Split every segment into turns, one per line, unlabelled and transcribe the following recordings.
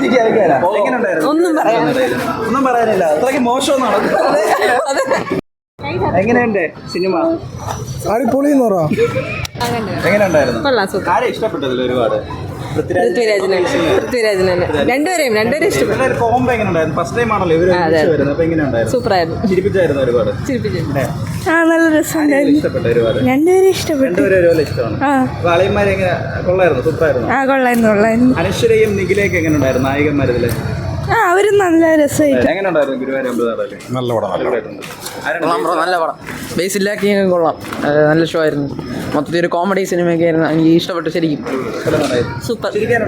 ഒന്നും പറയാനില്ല. അത്രയ്ക്ക് മോശമെന്നാണ്. എങ്ങനെയുണ്ട് സിനിമ?
അടിപൊളി എന്ന് പറ.
എങ്ങനെയുണ്ടായിരുന്നു? ആരെ ഇഷ്ടപ്പെട്ടതിൽ ഒരുപാട്?
പൃഥ്വിരാജിനെ രണ്ടുപേരെയും ഇഷ്ടപ്പെട്ടു.
കോംബോ എങ്ങനെയുണ്ടായിരുന്നു? ഫസ്റ്റ് ടൈം ആണല്ലോ ഇവര് വരുന്നത്. അപ്പൊ എങ്ങനെയുണ്ടായിരുന്നു?
സൂപ്പറായിരുന്നു.
ചിരിപ്പിച്ചായിരുന്നു ഒരുപാട്.
നല്ല രസമുണ്ടായിരുന്നു.
ഇഷ്ടപ്പെട്ടു ഒരുപാട്.
രണ്ടുപേരും ഇഷ്ടപ്പെട്ടു.
രണ്ടുപേരും ഒരുപോലെ ഇഷ്ടമാണ്. അളിയന്മാരെ എങ്ങനെ? കൊള്ളായിരുന്നു. സൂപ്പറായിരുന്നു. അനശ്വരയും നിഖിലേക്ക് എങ്ങനെ ഉണ്ടായിരുന്നു നായികന്മാരില്?
അവരും നല്ല രസമായിട്ട്.
എങ്ങനെയുണ്ടായിരുന്നു ഗുരുവായൂർ അമ്പലനടയില്?
നല്ല പടം.
നല്ല പടം. ബേസിലാക്കി കൊള്ളാം. നല്ല ഷോ ആയിരുന്നു. മൊത്തത്തിൽ ഒരു കോമഡി സിനിമയൊക്കെ ആയിരുന്നു. എനിക്ക് ഇഷ്ടപ്പെട്ടു ശരിക്കും.
സൂപ്പർ.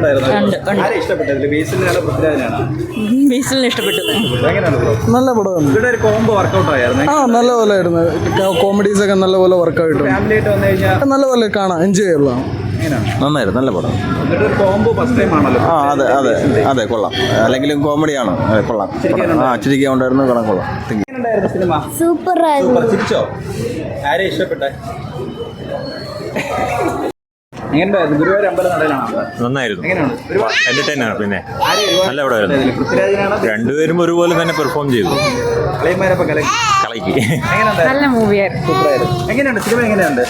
ബേസിലിനെ ഇഷ്ടപ്പെട്ടു.
നല്ല പടമാണ്.
ഇവിടെ ഒരു കോംബോ വർക്കൗട്ട് ആയിരുന്നു.
നല്ല പോലെ ആയിരുന്നു. കോമഡീസ് ഒക്കെ നല്ല പോലെ വർക്കൗട്ട്.
ഫാമിലി ആയിട്ട് വന്നു കഴിഞ്ഞാൽ
നല്ല പോലെ കാണാം. എൻജോയ് ചെയ്യാം.
നന്നായിരുന്നു. നല്ല പടം.
കോംബോ ഫസ്റ്റ് ടൈം ആണല്ലോ.
അതെ കൊള്ളാം. അല്ലെങ്കിലും കോമഡിയാണ്. കൊള്ളാം. ചിരിക്കാൻ ഉണ്ടായിരുന്നു. കൊള്ളാം.
Cinema
super.
ചിരിച്ചോ? ആരെ ഇഷ്ടപ്പെട്ടെ? എങ്ങനെയുണ്ടായിരുന്നു? ഗുരുവായൂർ അമ്പലനടയിലാണ്.
നന്നായിരുന്നു.
എങ്ങനെയാണ്?
എന്റർടൈനാണ്. പിന്നെ നല്ല പടമായിരുന്നു.
പൃഥ്വിരാജിനാണ്.
രണ്ടുപേരും ഒരുപോലെ തന്നെ പെർഫോം ചെയ്തു.
അളിയന്മാരൊക്കെ കളക്കി.
നല്ല മൂവിയായിരുന്നു.
സൂപ്പറായിരുന്നു. എങ്ങനെയുണ്ട് സിനിമ? എങ്ങനെയുണ്ട്?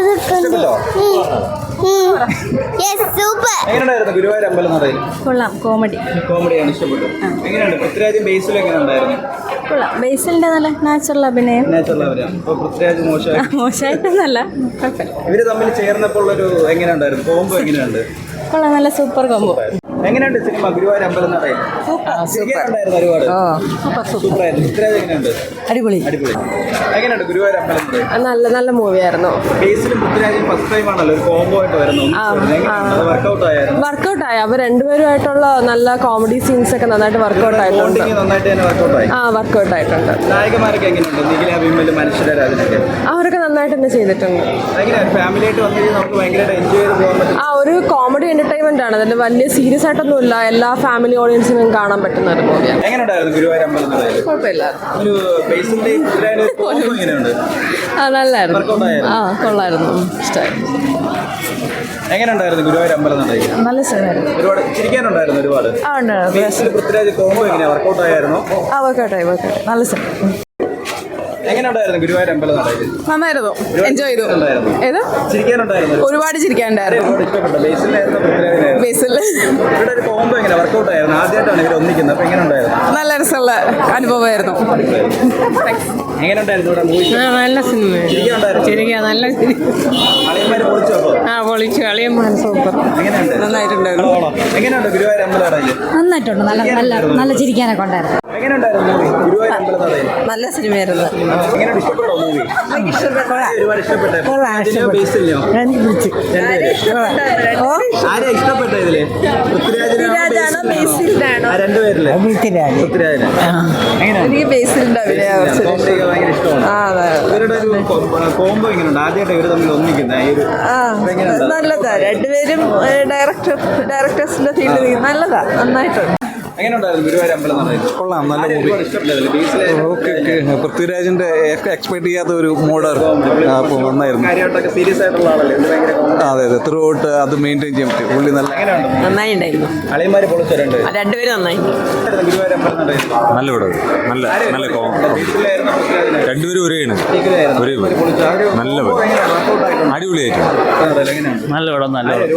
എങ്ങനെയുണ്ടായിരുന്നു ഗുരുവായൂർ അമ്പലനടയിൽ?
കൊള്ളാം.
കോമഡിയാണ് ഇഷ്ടപ്പെട്ടു. എങ്ങനെയുണ്ട്? പൃഥ്വിരാജും ബേസിലും എങ്ങനെ ഉണ്ടായിരുന്നു?
കൊള്ളാം. ബേസിലിന്റെ നല്ല നാച്ചുറൽ അഭിനയം.
പൃഥ്വിരാജ്
മോശമായിട്ടൊന്നല്ല.
ഇവര് തമ്മിൽ ചേർന്നപ്പോൾ ഒരു എങ്ങനെയുണ്ടായിരുന്നു? കോംബോ എങ്ങനെയുണ്ട്?
കൊള്ളാം. നല്ല സൂപ്പർ കോംബോ.
എങ്ങനെയുണ്ട് സിനിമ ഗുരുവായൂർ അമ്പലനടയിൽ? ഒരുപാട് സൂപ്പറായിരുന്നു. പൃഥ്വിരാജ് എങ്ങനെയുണ്ട്?
അടിപൊളി.
എങ്ങനെയുണ്ട് ഗുരുവായൂർ അമ്പലനടയിൽ?
നല്ല മൂവിയായിരുന്നു.
ബേസിലും പൃഥ്വിരാജും ഫസ്റ്റ് ടൈം ആണല്ലോ ഒരു കോംബോ ആയിട്ട് വരുന്നത്.
വർക്കൗട്ട് ആയി. അവർ രണ്ടുപേരുമായിട്ടുള്ള നല്ല കോമഡി സീൻസ് ഒക്കെ നന്നായിട്ട് വർക്കൗട്ട് ആയിട്ടുണ്ട്. വർക്കൗട്ട് ആയിട്ടുണ്ട്.
നായകന്മാരൊക്കെ എങ്ങനെയുണ്ട്? നിഖില, വിമൽ, മനുഷ്യരാജനൊക്കെ
അവരൊക്കെ നന്നായിട്ട് തന്നെ ചെയ്തിട്ടുണ്ട്.
ഫാമിലി ആയിട്ട് വന്നു കഴിഞ്ഞാൽ നമുക്ക് ഭയങ്കരമായിട്ട് എൻജോയ് ചെയ്ത് പോകാൻ പറ്റും.
ഒരു കോമഡി എന്റർടൈൻമെന്റ് ആണ്. അതിൽ വലിയ സീരിയസ് ആയിട്ടൊന്നുമില്ല. എല്ലാ ഫാമിലി ഓഡിയൻസിനും കാണാൻ പറ്റുന്ന ഒരു മൂവിയാണ്.
എങ്ങനെയുണ്ടായിരുന്നു ഗുരുവായൂർ അമ്പലനടയിൽ?
കുഴപ്പമില്ല.
ഒരു ബേസിന്റെ കോംബോ എങ്ങനെയുണ്ട്?
നല്ലായിരുന്നു. കൊള്ളായിരുന്നു. ഇഷ്ടമായിരുന്നു.
എങ്ങനെയുണ്ടായിരുന്നു ഗുരുവായൂർ അമ്പലനടയിൽ?
നല്ല സിനിമയായിരുന്നു.
ഒരുപാട് ചിരിക്കാനുണ്ടായിരുന്നു. ഒരുപാട് പൃഥ്വിരാജ് കോംബോ എങ്ങനെയാ? വർക്കൗട്ട് ആയിരുന്നു.
വർക്കൗട്ടായി. നല്ല സിനിമ.
എങ്ങനെയുണ്ടായിരുന്നു ഗുരുവായൂർ അമ്പലനടയിൽ?
നന്നായിരുന്നു. എൻജോയ് ചെയ്തു.
ചിരിക്കാനുണ്ടായിരുന്നു.
ഒരുപാട് ചിരിക്കാനുണ്ടായിരുന്നു. ബേസിൽ
ഇവിടെ ഒരു കോംബോ എങ്ങനെ വർക്കൗട്ട് ആയിരുന്നു? ആദ്യമായിട്ടാണ് ഇവർ ഒന്നിക്കുന്നത്. അപ്പൊ എങ്ങനെയുണ്ടായിരുന്നു?
നല്ല രസമുള്ള അനുഭവമായിരുന്നു.
എങ്ങനെയുണ്ടായിരുന്നു ഇവിടെ മൂവി?
നല്ല സിനിമ. ചിരിക്കാൻ നല്ല
അളിയന്മാര് പൊളിച്ചോ?
പൊളിച്ചു. അളിയന്മാർ സൂപ്പർ.
എങ്ങനെയുണ്ട്?
നന്നായിട്ടുണ്ടായിരുന്നു.
എങ്ങനെയുണ്ട് ഗുരുവായൂർ അമ്പലനടയിൽ?
നന്നായിട്ടുണ്ട്. നല്ല ചിരിക്കാനൊക്കെ ഉണ്ടായിരുന്നു.
എങ്ങനെയുണ്ടായിരുന്നു മൂവി ഗുരുവായൂർ അമ്പലനടയിൽ?
നല്ല സിനിമയായിരുന്നു.
എങ്ങനെയുണ്ട്? ഇഷ്ടപ്പെട്ടോ മൂവി? ഒരുപാട് ഇഷ്ടപ്പെട്ടു. ആരെയാ ഇഷ്ടപ്പെട്ട ഇതില്? രണ്ടുപേരില് പൃഥ്വിരാജിന്.
എനിക്ക് ബേസിലിന്റെ അഭിനയം
ഭയങ്കര ഇഷ്ടമാണ്. ഇവരുടെ ഒരു കോംബോ എങ്ങനെയുണ്ട്? ആദ്യമായിട്ട് ഇവര് തമ്മിൽ ഒന്നിക്കുന്നത്
നല്ലതാ. രണ്ടുപേരും ഡയറക്ടേഴ്സിന്റെ ഫീൽഡിൽ നല്ലതാ. നന്നായിട്ടുണ്ട്.
എങ്ങനെയുണ്ടായിരുന്നു ഗുരുവായൂർ അമ്പലനടയിൽ?
കൊള്ളാം. നല്ല മൂവി. പൃഥ്വിരാജിന്റെ എക്സ്പെക്ട് ചെയ്യാത്ത ഒരു നന്നായിരുന്നു.
സീരിയസ് ആയിട്ടുള്ള ആളല്ലേ?
അതെ. ത്രൂ ഔട്ട് അത് മെയിൻറ്റെയിൻ ചെയ്യാൻ പറ്റും. പുള്ളി
നന്നായി ഉണ്ടായിരുന്നു.
അളിയന്മാര് പൊളിച്ചോ?
രണ്ടുപേരും നന്നായി.
ഗുരുവായൂർ അമ്പലനടയിൽ
നല്ല പടം. നല്ല രണ്ടുപേരും ഒരേയാണ്. നല്ല പടം. അടിപൊളിയായിട്ട്.
നല്ല പടം.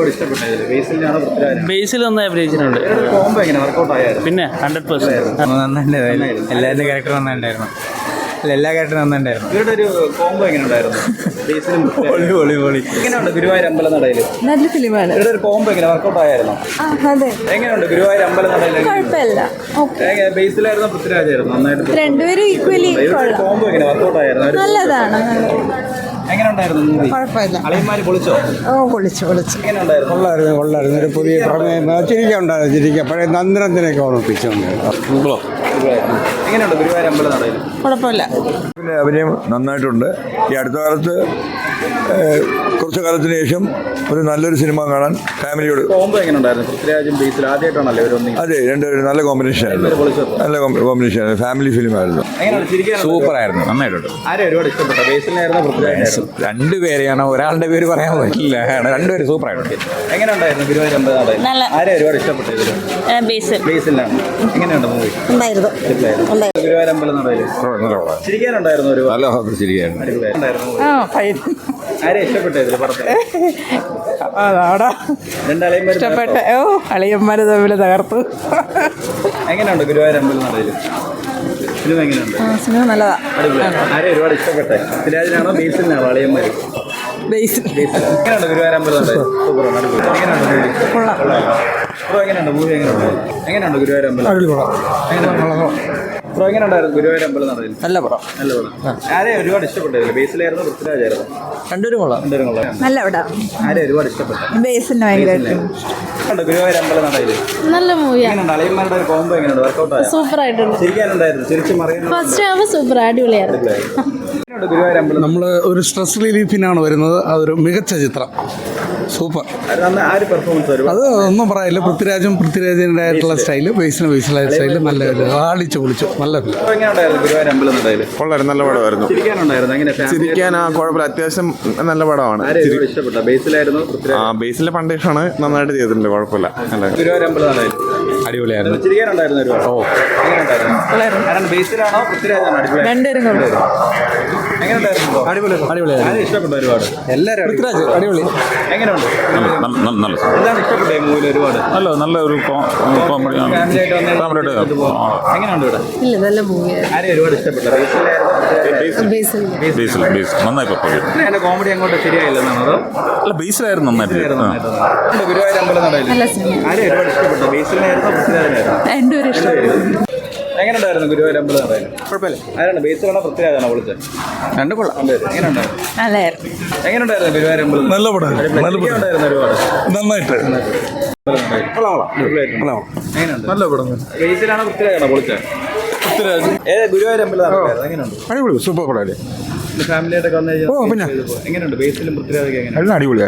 ബേസിൽ നന്നായി അഭിനയിച്ചിട്ടുണ്ട്. പിന്നെ 100%.
എല്ലാവരുടെ ക്യാരക്ടർ നന്നായിട്ടുണ്ടായിരുന്നു. എല്ലാ ക്യാരക്ടറും നന്നായിട്ടുണ്ടായിരുന്നു.
ഇവരുടെ ഒരു കോംബോ എങ്ങനെയുണ്ടായിരുന്നു? എങ്ങനെയുണ്ട് ഗുരുവായൂർ അമ്പലനടയിൽ?
നല്ല ഫിലിമാണ്.
ഇവരുടെ ഒരു കോംബോ എങ്ങനെ വർക്കൗട്ട് ആയിരുന്നു?
അതെ.
എങ്ങനെയുണ്ട് ഗുരുവായൂർ അമ്പലനടയിൽ?
കുഴപ്പമില്ല.
ബേസിലായിരുന്നു പൃഥ്വിരാജായിരുന്നു? നന്നായിട്ട്
രണ്ടുപേരും ഈക്വലി.
കോംബോ എങ്ങനെ വർക്കൗട്ട് ആയിരുന്നു?
നല്ലതാണ്.
എങ്ങനെയുണ്ടായിരുന്നു മൂവി?
കുഴപ്പമില്ല.
അളിയന്മാര് പൊളിച്ചോ?
പൊളിച്ചു.
എങ്ങനെയുണ്ടായിരുന്നു?
കൊള്ളായിരുന്നു. ഒരു പുതിയ പ്രമേയം ചിരിക്കാൻ ഉണ്ടായിരുന്നു. പഴയ നന്ദനത്തിനൊക്കെ ഓർമ്മിപ്പിച്ചു.
എങ്ങനെയുണ്ട് ഗുരുവായൂർ അമ്പലം നടയിൽ?
കുഴപ്പമില്ല.
പിന്നെ അഭിനയം നന്നായിട്ടുണ്ട്. ഈ അടുത്ത കാലത്ത് കുറച്ച് കാലത്തിന് ശേഷം ഒരു നല്ലൊരു സിനിമ കാണാൻ ഫാമിലിയോട്.
കോംബോ എങ്ങനെയുണ്ടായിരുന്നു? പൃഥ്വിരാജും ബേസിൽ ആദ്യമായിട്ടാണല്ലോ ഇവരൊന്നും.
അതെ, രണ്ടുപേരും നല്ല കോമ്പിനേഷൻ ആയിരുന്നു. നല്ല കോമ്പിനേഷൻ ആയിരുന്നു. ഫാമിലി ഫിലിം ആയിരുന്നു.
എങ്ങനെയാണ് ചിരിക്കാനുണ്ട്?
സൂപ്പറായിരുന്നു, നന്നായിട്ടുണ്ട്.
ആരെ ഒരുപാട് ഇഷ്ടപ്പെട്ട? ബേസിലായിരുന്നു പൃഥ്വിരാജായിരുന്നു?
രണ്ടുപേരെയാണ്, ഒരാളുടെ പേര് പറയാൻ പറ്റില്ല. രണ്ടുപേരും സൂപ്പറായിട്ടുണ്ട്.
എങ്ങനെയുണ്ടായിരുന്നു ഗുരുവായൂർ അമ്പലം നടയിൽ? ആരെ ഒരുപാട് ഇഷ്ടപ്പെട്ടു ഇതിൽ? ബേസിലാണ്. എങ്ങനെയുണ്ട് മൂവി? ഗുരുവായൂർ അമ്പലം നടയിൽ ചിരിക്കാനുണ്ടായിരുന്നു? ഒരുപാട്
നല്ല ചിരിക്കായിരുന്നു.
അടിപൊളിയായിരുന്നു. ആരെ ഇഷ്ടപ്പെട്ടു ഇതിൽ പടത്തിൽ? രണ്ടാളെയും
ഇഷ്ടപ്പെട്ട അളിയന്മാര് തമ്മിൽ തകർത്തു.
എങ്ങനെയുണ്ട് ഗുരുവായൂർ അമ്പലം നടയിൽ സിനിമ? എങ്ങനെയുണ്ട്?
സിനിമ നല്ലതാ.
അടിപൊളിയാണ്. ആരെ ഒരുപാട് ഇഷ്ടപ്പെട്ടെ? പൃഥ്വിരാജിനാണോ ബേസിലാണോ അളിയന്മാർ? എങ്ങനെയുണ്ട് ഗുരുവായൂർ അമ്പലം നടയിൽ? സൂപ്പറാണ്, അടിപൊളി. എങ്ങനെയുണ്ട് മൂവി? എങ്ങനെയുണ്ട് മൂവി? എങ്ങനെയുണ്ട് ഗുരുവായൂർ അമ്പലം? എങ്ങനെയുണ്ടായിരുന്നു ഗുരുവായൂർ അമ്പലം നടയിൽ?
നല്ല പടം.
നല്ല പടം. ആരെ ഒരുപാട് ഇഷ്ടപ്പെട്ടത്? ബേസിലായിരുന്നു പൃഥ്വിരാജായിരുന്നു?
രണ്ടുപേരും കൊള്ളാം.
നല്ല പടം.
ആരെ ഒരുപാട് ഇഷ്ടപ്പെട്ടു?
ബേസിന് ഭയങ്കര
ഗുരുവായൂർ അമ്പലം നടയിൽ
നല്ല മൂവിയാണ്.
എങ്ങനെയുണ്ട്? അളിയന്മാരുടെ ഒരു കോംബോ എങ്ങനെയുണ്ട്? വർക്കൗട്ട് ആയോ?
സൂപ്പർ ആയിട്ടുണ്ട്.
ചിരിക്കാനുണ്ടായിരുന്നു? ചിരിച്ച് മറിയുന്നു.
ഫസ്റ്റ് ഹാഫ് സൂപ്പർ അടിപൊളിയായിരുന്നു.
എങ്ങനെയുണ്ട് ഗുരുവായൂർ അമ്പലം?
നമ്മൾ ഒരു സ്ട്രെസ് റിലീഫിനാണ് വരുന്നത്. അതൊരു മികച്ച ചിത്രം. സൂപ്പർ.
ആര് പെർഫോമൻസ്?
അത് ഒന്നും പറയില്ല. പൃഥ്വിരാജിൻ്റെ ആയിട്ടുള്ള സ്റ്റൈല്, ബേസിലായ സ്റ്റൈല് നല്ല ആളിച്ചു പൊളിച്ചു. നല്ല ഫിലിം.
എങ്ങനെയുണ്ടായിരുന്നു ഗുരുവായൂർ അമ്പലം നടയിൽ?
കൊള്ളായിരുന്നു, നല്ല പടമായിരുന്നു.
ചിരിക്കാനുണ്ടായിരുന്നു? എങ്ങനെ?
ചിരിക്കാൻ കുഴപ്പമില്ല, അത്യാവശ്യം നല്ല പടമാണ്.
ആരെ ഒരുപാട് ഇഷ്ടപ്പെട്ട? ബേസിലായിരുന്നു പൃഥ്വിരാജ്?
ബേസിലെ ഫണ്ടേഷനാണ്, നന്നായിട്ട് ചെയ്തിട്ടുണ്ട്, കുഴപ്പമില്ല.
ഗുരുവായൂർ അമ്പലം നടയിൽ
അടിപൊളിയായിരുന്നു.
ചിരിക്കാനുണ്ടായിരുന്നു ഒരുപാട്? എങ്ങനെയുണ്ടായിരുന്നു? ബേസിലാണോ പൃഥ്വിരാജാണോ? അടിപൊളി.
രണ്ടുപേരും
എങ്ങനെയുണ്ടായിരുന്നു?
അടിപൊളിയായിരുന്നു.
ആരെ ഇഷ്ടപ്പെട്ടു ഒരുപാട്?
എല്ലാവരും പൃഥ്വിരാജ് അടിപൊളി.
എങ്ങനെയുണ്ട്?
നല്ല
എന്താണ് ഇഷ്ടപ്പെട്ടത് ഈ മൂവിൽ ഒരുപാട്?
നല്ല ഒരു കോമഡി.
ഫാമിലിയായിട്ട് വന്ന് എങ്ങനെയുണ്ട് ഇവിടെ?
ഇല്ല, നല്ല മൂവിയായിരുന്നു.
ആരെ ഒരുപാട് ഇഷ്ടപ്പെട്ടു? ബേസിലായിരുന്നു?
ബേസ് നന്നായി പെർഫോം.
അങ്ങനെ കോമഡി അങ്ങോട്ട് ശരിയായില്ലെന്നാണോ? അതോ
അല്ല, ബേസിലായിരുന്നു നന്നായിട്ട്.
ഗുരുവായൂർ അമ്പലം നടയിൽ ആരെ ഒരുപാട് ഇഷ്ടപ്പെട്ടു? ബേസിലായിരുന്നോ പൃഥ്വിരാജായിരുന്നോ?
രണ്ടുപേരും ഇഷ്ടപ്പെട്ടു.
എങ്ങനെയുണ്ടായിരുന്നു ഗുരുവായൂർ അമ്പലം നടയിൽ? കുഴപ്പമില്ല. ആരാണ്? ബേസിലാണോ പൃഥ്വിരാജാണോ വിളിച്ചത്?
രണ്ടും കൊള്ളാം.
എങ്ങനെയുണ്ടായിരുന്നു?
നല്ലായിരുന്നു.
എങ്ങനെയുണ്ടായിരുന്നു ഗുരുവായൂർ അമ്പലം?
നല്ല പടമായിരുന്നു.
ഉണ്ടായിരുന്നു ഒരുപാട്.
നന്നായിട്ട്.
എങ്ങനെയുണ്ട്?
നല്ല പടം.
ബേസിലാണോ പൃഥ്വിരാജാണോ വിളിച്ചത്?
പൃഥ്വിരാജ്.
ഗുരുവായൂർ അമ്പലം നടയിൽ എങ്ങനെയുണ്ട്?
അടിപൊളി, സൂപ്പർ പടമല്ലേ.
ഫാമിലിയായിട്ടൊക്കെ വന്നു
പിന്നെ
എങ്ങനെയുണ്ട്? ബേസിലും പൃഥ്വിരാജൊക്കെ എങ്ങനെയുണ്ട്?
എല്ലാം അടിപൊളിയാണ്.